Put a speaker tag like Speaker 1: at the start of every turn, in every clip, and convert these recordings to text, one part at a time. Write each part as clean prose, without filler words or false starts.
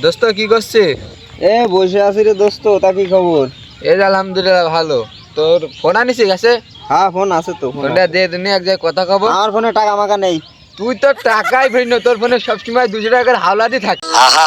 Speaker 1: দোস্ত কি করছে?
Speaker 2: এ বসে আছি রে দোস্ত, তা কি খবর?
Speaker 1: এই যে আলহামদুলিল্লাহ ভালো। তোর ফোন আনিস গেছে?
Speaker 2: হ্যাঁ ফোন আছে তো।
Speaker 1: ফোনটা দে দিনে এক জায়গায় কথা কব।
Speaker 2: আমার ফোনে টাকা মাকা নেই।
Speaker 1: তুই তো টাকাই ভিন্ন, তোর ফোনে সবসময় 200 টাকার হাওলাদি থাকে।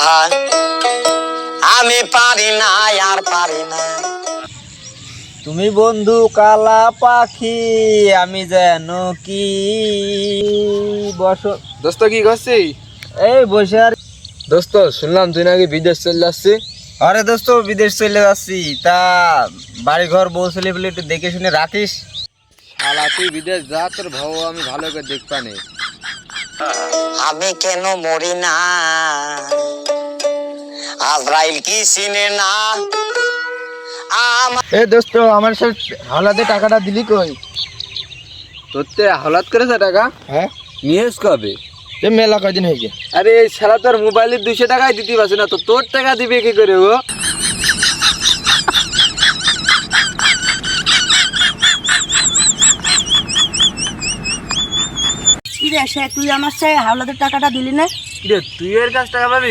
Speaker 3: আমি পারি না আর পারি না।
Speaker 2: তুমি বন্ধু কালা পাখি, আমি যেন কি বসো।
Speaker 1: দোস্ত কি করছিস?
Speaker 2: এই বসে আর।
Speaker 1: দোস্ত শুনলাম তুই নাকি বিদেশ চলে যাচ্ছিস।
Speaker 2: আরে দোস্ত বিদেশ চলে যাচ্ছি, তা বাড়ি ঘর বউ ছেলে পেলে একটু দেখে শুনে রাখিস।
Speaker 1: শালা তুই বিদেশ যা, তোর ভাও আমি ভালো করে দেখবা নে।
Speaker 3: আমি কেন মরি না, আজরাইল কি চিনে না।
Speaker 1: এ দোস্ত আমার সাথে হাওলাতে টাকাটা দিলি কই? তোর তে হাওলাত করেছে টাকা?
Speaker 2: হ্যাঁ
Speaker 1: নিয়েস কবে?
Speaker 2: এ মেলা কয়দিন হয়ে গেছে।
Speaker 1: আরে এই শালা তোর মোবাইলের 200 টাকাই দিতে পারছে না, তো তোর টাকা দিবে কি করে ও?
Speaker 4: কি রে সে তুই আমার সে হাওলাদের টাকাটা দিলি না?
Speaker 1: রে তুই এর কাছ টাকা পাবি?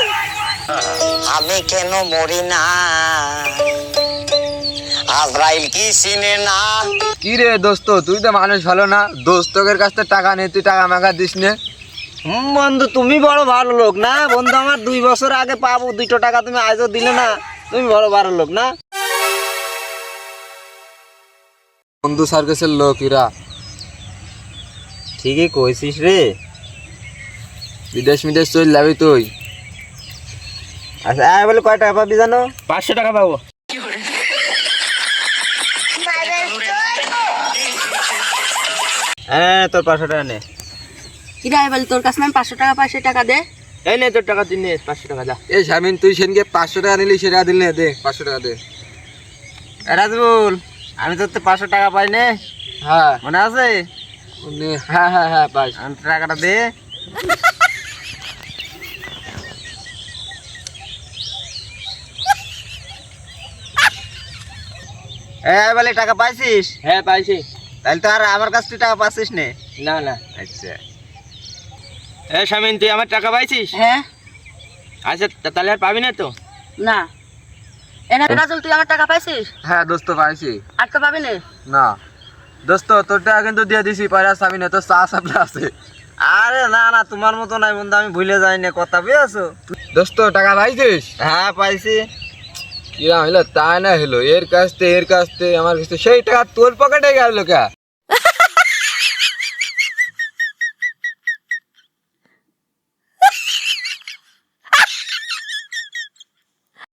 Speaker 3: আমি কেন মরি না, আজরাইল কি চিনে না।
Speaker 1: কি রে দোস্ত তুই তো মানুষ ভালো না, দোস্তকের কাছ থেকে টাকা নিয়ে তুই টাকা মাগা দিস নে।
Speaker 2: বন্ধু তুমি বড় ভালো লোক না বন্ধু, আমার 2 বছর আগে পাবো 200 টাকা, তুমি আজও দিলে না। তুমি বড় ভালো লোক না।
Speaker 1: বন্ধু সার্কেসের লোক এরা।
Speaker 2: ঠিকই কইছিস রে।
Speaker 1: বিদেশ মিদেশ চল যাবি তুই?
Speaker 2: আচ্ছা বলে কয় টাকা পাবি জানো? 500 টাকা পাবো। হ্যাঁ তোর 500 টাকা নে।
Speaker 4: কি রে বল, তোর কাছে আমি 500 টাকা পাই, সে টাকা দে।
Speaker 2: এই নে তোর টাকা, তুই নে 500 টাকা যা।
Speaker 1: এই শামিন তুই সেনকে 500 টাকা নিলি, সেটা দিল না, দে 500 টাকা দে।
Speaker 2: রাজবুল আমি তোর তো 500 টাকা পাই নে,
Speaker 1: হ্যাঁ
Speaker 2: মনে আছে?
Speaker 1: হ্যাঁ হ্যাঁ হ্যাঁ পাস।
Speaker 2: আমি টাকাটা দে। বলে টাকা পাইছিস?
Speaker 1: হ্যাঁ পাইছি।
Speaker 2: তাহলে তো আর আমার কাছ থেকে টাকা পাচ্ছিস নে।
Speaker 1: না না।
Speaker 2: আচ্ছা শামিন তুই আমার টাকা পাইছিস?
Speaker 4: হ্যাঁ।
Speaker 2: আচ্ছা তাহলে আর পাবি না তো?
Speaker 4: না। এনে রাজুল তুই আমার টাকা পাইছিস?
Speaker 1: হ্যাঁ দোস্ত পাইছি।
Speaker 4: আর তো পাবি না।
Speaker 1: না দোস্ত তোর টাকা কিন্তু দিয়ে দিছি, পয়সা চাবি না, তোর চা সাপলা আছে।
Speaker 2: আরে না না তোমার মতো নাই বন্ধু, আমি ভুলে যাই না কথা, বুঝেছো?
Speaker 1: দোস্ত টাকা পাইছিস?
Speaker 2: হ্যাঁ পাইছি।
Speaker 1: কিরা হইলো তাই না হইলো, এর কাছ থেকে আমার কাছে সেই টাকা তোর পকেটে গেল কা?